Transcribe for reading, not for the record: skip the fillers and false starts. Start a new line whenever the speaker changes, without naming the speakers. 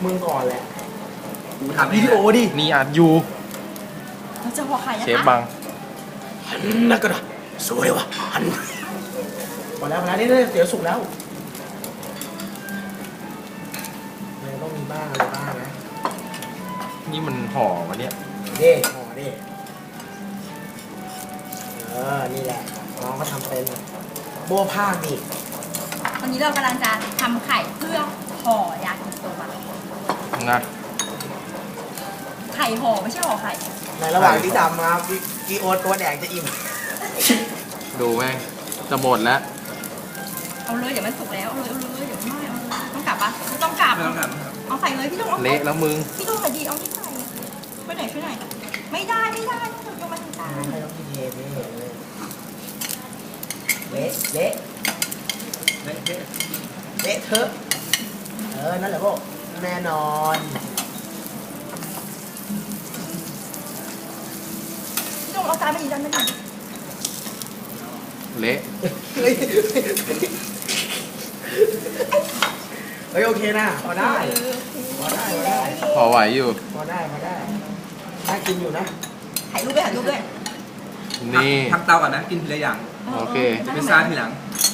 มึงก่อนแหละ
กูทำ
วิดีโอดิ
นี่อัดอยู่
เราจะห่อไข่นะคะ
เชฟบัง
หันนักกระดาสวยว่ะหันพอแล้วนี่เดี๋ยวสุกแล้วมันต้องมีบ้างอะไรบ้างนะ
นี่มันห่อวะเนี่ย
เด้ห่อเด้นี่แหละน้องก็ทำเป็นโบ้ผ้านี่
วันนี้เรากำลังจะทำไข่เพื่อห่อยากิโซบะ
นะ
ไข่ห่อไม่ใช่ห่อไข่
ในระหว่างที่ทำนะครับกีโอตัวแดงจะอิ่ม
ดูแม่งจะหมดแล้ว
เอาเลยเดี๋ยวมันสุกแล้วเอาเลยเดี๋ยวไม่เอาเลยต้องกลับปะไม่ต้องกลับ
ไม่ต้องกัน
เอาไข่เลยพี่ต้องเอา
เละแล้วมึง
พี่ต้องใส่ดีเอาที่ใส่ช่วยหน่อยไม่ได้ต้องยกมาทางกลาง
ให้น้องพี่เทนี่เละเละเละเถอะนั่นแหละพวกแน่นอน
พี่ต้องเอาจานไปดีจานไปดี
เละ
เฮ้ยโอเคนะพอได้พอได้พอได้
พอไหวอยู่
พอได้น่ากินอยู่นะ
ถ่ายรูปด้วย
นี่
พักเตาก่อนนะ กินทีละอย่าง
โอเค
พิซซ่าทีหลัง